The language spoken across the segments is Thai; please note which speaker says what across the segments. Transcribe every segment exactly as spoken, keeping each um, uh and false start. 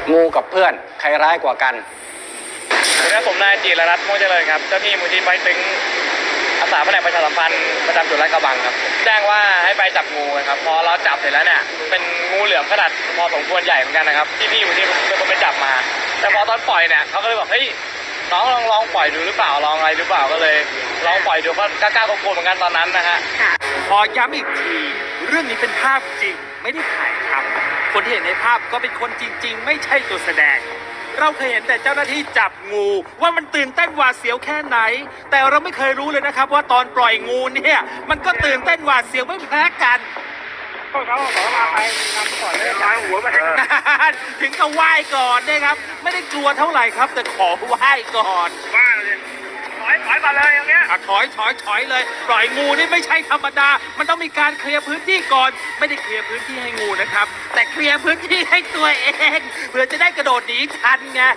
Speaker 1: งูกับเพื่อนใครร้ายกว่ากัน
Speaker 2: สวัสดีครับผมนายจิรรัตน์ม่วงเจริญครับเจ้าที่มูลที่ไม้ตึงอาสาแผนกประชาสัมพันธ์ประจำจุดลาดกระบังครับแจ้งว่าให้ไปจับงูครับพอเราจับเสร็จแล้วเนี่ยเป็นงูเหลือมขนาดพอสมควรใหญ่เหมือนกันนะครับที่พี่มูลที่เป็นคนไปจับมาแต่พอตอนปล่อยเนี่ยเขาก็เลยบอกเฮ้ยน้องลองลองปล่อยดูหรือเปล่าลองอะไรหรือเปล่าก็เลยลองปล่อยดูก็กล้ากลัวๆเหมือนกันตอนนั้นนะฮะ
Speaker 3: ขอย้ำอีกทีเรื่องนี้เป็นภาพจริงไม่ได้ถ่ายทำคนที่เห็นในภาพก็เป็นคนจริงๆไม่ใช่ตัวแสดงเราเคยเห็นแต่เจ้าหน้าที่จับงูว่ามันตื่นเต้นหวาดเสียวแค่ไหนแต่เราไม่เคยรู้เลยนะครับว่าตอนปล่อยงูเนี่ยมันก็ตื่นเต้นหวาดเสียวไม่แพ้กัน
Speaker 2: พวกเขาขอมาไปนำก่อนเลยย้ายหัวไป
Speaker 3: ถึงกับไหว้ก่อนนะครับไม่ได้กลัวเท่าไหร่ครับแต่ขอไหว้ก่อน
Speaker 2: ว่าเลยถอยถอยมาเลยอย่างเงี้ย
Speaker 3: ถอยถอยถอยเลยปล่อยงูนี่ไม่ใช่ธรรมดามันต้องมีการเคลียร์พื้นที่ก่อนไม่ได้เคลียร์พื้นที่ให้งูนะครับแต่เคลียร์พื้นที่ให้ตัวเองเพื่อจะได้กระโดดหนีทันไง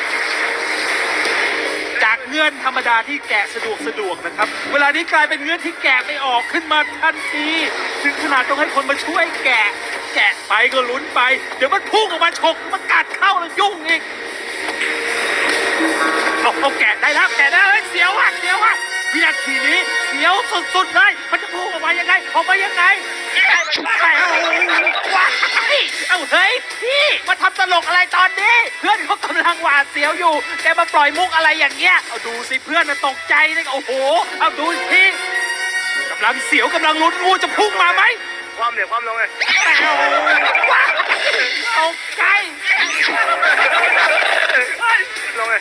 Speaker 3: จากเงื่อนธรรมดาที่แกะสะดวกสะดวกนะครับเวลานี้กลายเป็นเงื่อนที่แกะไม่ออกขึ้นมาทันทีถึงขนาดต้องให้คนมาช่วยแกะแกะไปก็ลุ้นไปเดี๋ยวมันพุ่งออกมาฉกมันกัดเข้าแล้วยุ่งอีกเอาเอาแกะได้แล้วแกะได้เลยเสียวอ่ะเสียวอ่ะวินาทีนี้เสียวสุดๆเลยมันจะพุ่งออกมายังไงออกมายังไงว้ายเอาเฮ้ยพี่มาทำตลกอะไรตอนนี้เพื่อนเขากำลังหวาดเสียวอยู่แกมาปล่อยมุกอะไรอย่างเงี้ยเอาดูสิเพื่อนมันตกใจเลยโอ้โหเอาดูสิกำลังเสียวกำลังลุ้นงูจะพุ่งมาไหม
Speaker 2: ความเหนียวความลงเลย
Speaker 3: ตกใจ
Speaker 2: ลงเลย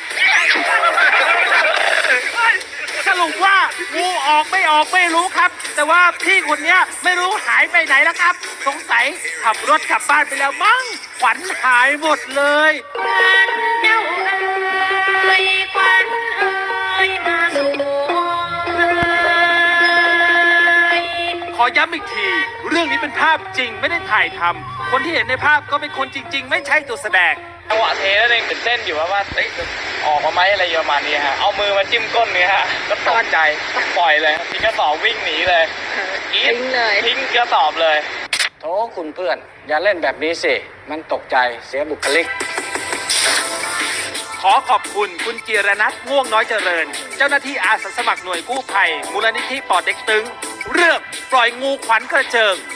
Speaker 3: สรุปว่างูออกไม่ออกไม่รู้ครับแต่ว่าพี่คนนี้ไม่รู้หายไปไหนแล้วครับสงสัยขับรถกลับบ้านไปแล้วมั้งขวัญหายหมดเลย
Speaker 4: ควันเจ้าเอ๋ยควันเอ๋ยมาสู่เอ๋ย
Speaker 3: ขอย้ำอีกทีเรื่องนี้เป็นภาพจริงไม่ได้ถ่ายทำคนที่เห็นในภาพก็เป็นคนจริงๆไม่ใช่ตัวแสดง
Speaker 2: จังหวะเทแล้วเองตื่นเต้นอยู่ว่าว่าออกมาไหมอะไรประมาณนี้ฮะเอามือมาจิ้มก้นนี่ฮะก็ตกใจปล่อยเลยทิ้งกระสอบวิ่งหนีเลย
Speaker 4: ทิ้งเลย
Speaker 2: ทิ้งกระสอบเลย
Speaker 1: โธ่คุณเพื่อนอย่าเล่นแบบนี้สิมันตกใจเสียบุคลิก
Speaker 3: ขอขอบคุณคุณจิรนัทม่วงน้อยเจริญเจ้าหน้าที่อาสาสมัครหน่วยกู้ภัยมูลนิธิป่อเต็กตึงเรื่องปล่อยงูขวัญกระเจิง